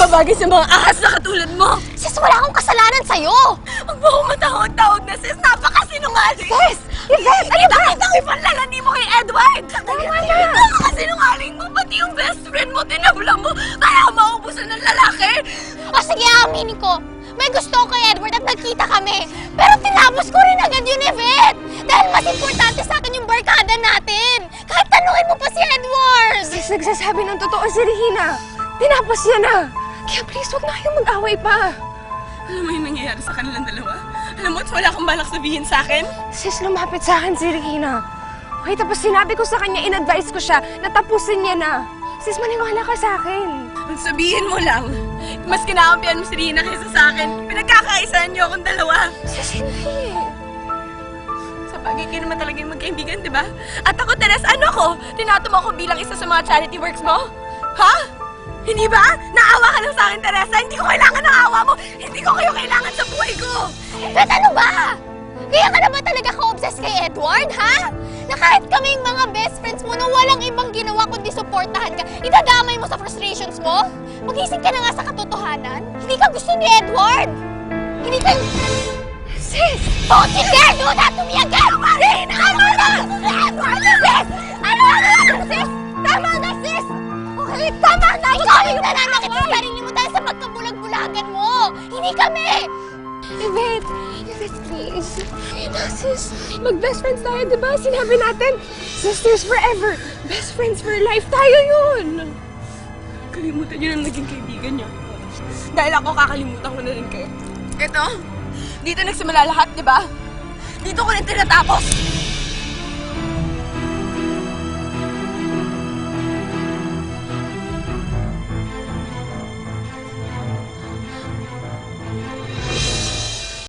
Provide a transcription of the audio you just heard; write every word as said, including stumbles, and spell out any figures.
babagay sa mga ahas na katulad mo. Sis, wala akong kasalanan sa'yo! Huwag mo akong matawag-tawag na sis. Napakasinungaling. Sis! Yvette, ano ba? Kita ang ipanlalani mo kay Edward. Tama na! Napakasinungaling mo. Pati yung best friend mo, tinabla mo. Kaya maubusan ng lalaki. O sige, aminin ko. May gusto ko kay Edward at nagkita kami. Pero tinapos ko rin agad yun, Yvette! Dahil mas importante sa akin yung barkada natin. Kahit tanungin mo pa si Edward! Sis, nagsasabi ng totoo si Regina. Tinapos niya na. Kaya please, huwag na kayong mag-away pa. Alam mo yung nangyayari sa kanilang dalawa? Alam mo, wala kang balak sabihin sa akin? Sis, lumapit sa akin si Regina. Okay, tapos sinabi ko sa kanya, in-advise ko siya na tapusin niya na. Sis, maniwala ka sa akin. Ang sabihin mo lang, mas kinakampihan mo si Rina kaysa sa akin. Pinagkakaisahan niyo akong dalawa. Sis, hindi. Sa bagay kayo naman talagang magkaibigan, di ba? At ako, Teres, ano ko? Tinato mo ako bilang isa sa mga charity works mo? Ha? Hindi ba? Naawa ka lang sa akin, Teresa. Hindi ko kailangan ng awa mo. Hindi ko kayo kailangan sa buhay ko. Yvette, ano ba? Kaya ka na ba talaga ka-obsess kay Edward, ha? Na kahit kaming mga best friends mo na walang ibang ginawa kundi suportahan ka, idadamay mo sa frustrations mo? Magising ka na nga sa katotohanan. Hindi ka gusto ni Edward. Hindi ka... Sis! Don't you dare do that to me again! Sis! Tama na! Edward! Sis! Ano ano sis? Tama na, sis! Okay, tama na! Ikaw yung nananakit sa sarili mo dahil sa magkabulag-bulagan mo! Hindi kami! Yvette, Yvette, please. Na, sis, mag-best friends tayo, di ba? Sinabi natin, sisters forever, best friends for life tayo yun. Kalimutan niyo na naging kaibigan niyo. Dahil ako, kakalimutan ko na rin kayo. Ito, dito nagsimula lahat, di ba? Dito ko rin tinatapos.